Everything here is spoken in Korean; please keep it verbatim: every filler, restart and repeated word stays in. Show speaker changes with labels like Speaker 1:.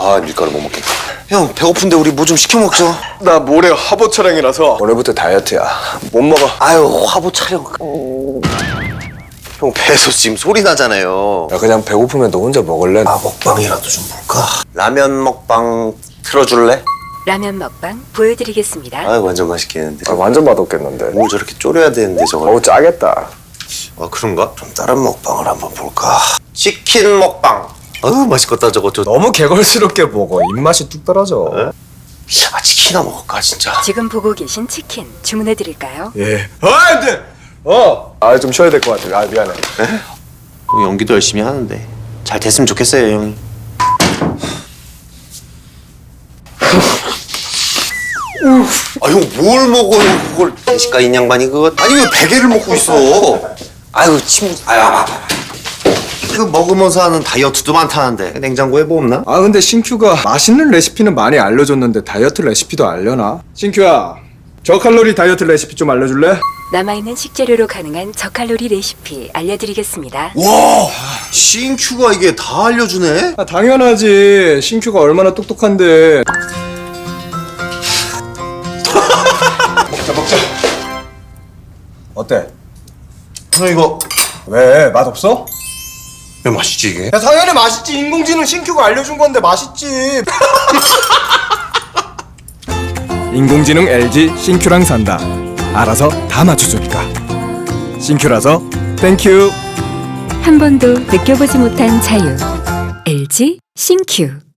Speaker 1: 아 밀가루 못 먹겠다. 형 배고픈데 우리 뭐 좀 시켜 먹죠.
Speaker 2: 나 모레 화보 촬영이라서
Speaker 1: 오늘부터 다이어트야.
Speaker 2: 못 먹어.
Speaker 1: 아유 화보 촬영. 형 배에서 지금 소리 나잖아요.
Speaker 2: 야, 그냥 배고프면 너 혼자 먹을래?
Speaker 1: 아 먹방이라도 좀 볼까? 라면 먹방 틀어줄래?
Speaker 3: 라면 먹방 보여드리겠습니다.
Speaker 1: 아 완전 맛있겠는데.
Speaker 2: 아, 완전 맛없겠는데.
Speaker 1: 뭘 저렇게 졸여야 되는데 저걸.
Speaker 2: 어우 짜겠다.
Speaker 1: 아 그런가? 그럼 다른 먹방을 한번 볼까? 치킨 먹방. 아유 맛있겠다 저거. 저...
Speaker 2: 너무 개걸스럽게 먹어. 입맛이 뚝 떨어져.
Speaker 1: 네? 아 치킨이나 먹을까 진짜.
Speaker 3: 지금 보고 계신 치킨 주문해드릴까요?
Speaker 2: 예. 아, 안 돼! 어! 아, 좀 쉬어야 될 것 같아. 아, 미안해.
Speaker 1: 형 연기도 열심히 하는데 잘 됐으면 좋겠어요 형이. 아 형 뭘 먹어요 그걸. 대식가 인양반이 그거. 아니 왜 베개를 먹고 있어. 아유 침. 아유 아파. 이거 먹으면서 하는 다이어트도 많다는데 냉장고에 뭐 없나?
Speaker 2: 아, 근데 신큐가 맛있는 레시피는 많이 알려줬는데 다이어트 레시피도 알려나? 신큐야, 저칼로리 다이어트 레시피 좀 알려줄래?
Speaker 3: 남아있는 식재료로 가능한 저칼로리 레시피 알려드리겠습니다.
Speaker 1: 와 신큐가 이게 다 알려주네.
Speaker 2: 아, 당연하지. 신큐가 얼마나 똑똑한데. 먹자, 먹자. 어때?
Speaker 1: 형 이거
Speaker 2: 왜? 맛없어?
Speaker 1: 왜 맛있지 이게?
Speaker 2: 야, 당연히 맛있지. 인공지능 신큐가 알려준 건데 맛있지. 인공지능 엘지 신큐랑 산다. 알아서 다 맞춰주니까. 신큐라서 땡큐.
Speaker 3: 한 번도 느껴보지 못한 자유. 엘지 신큐.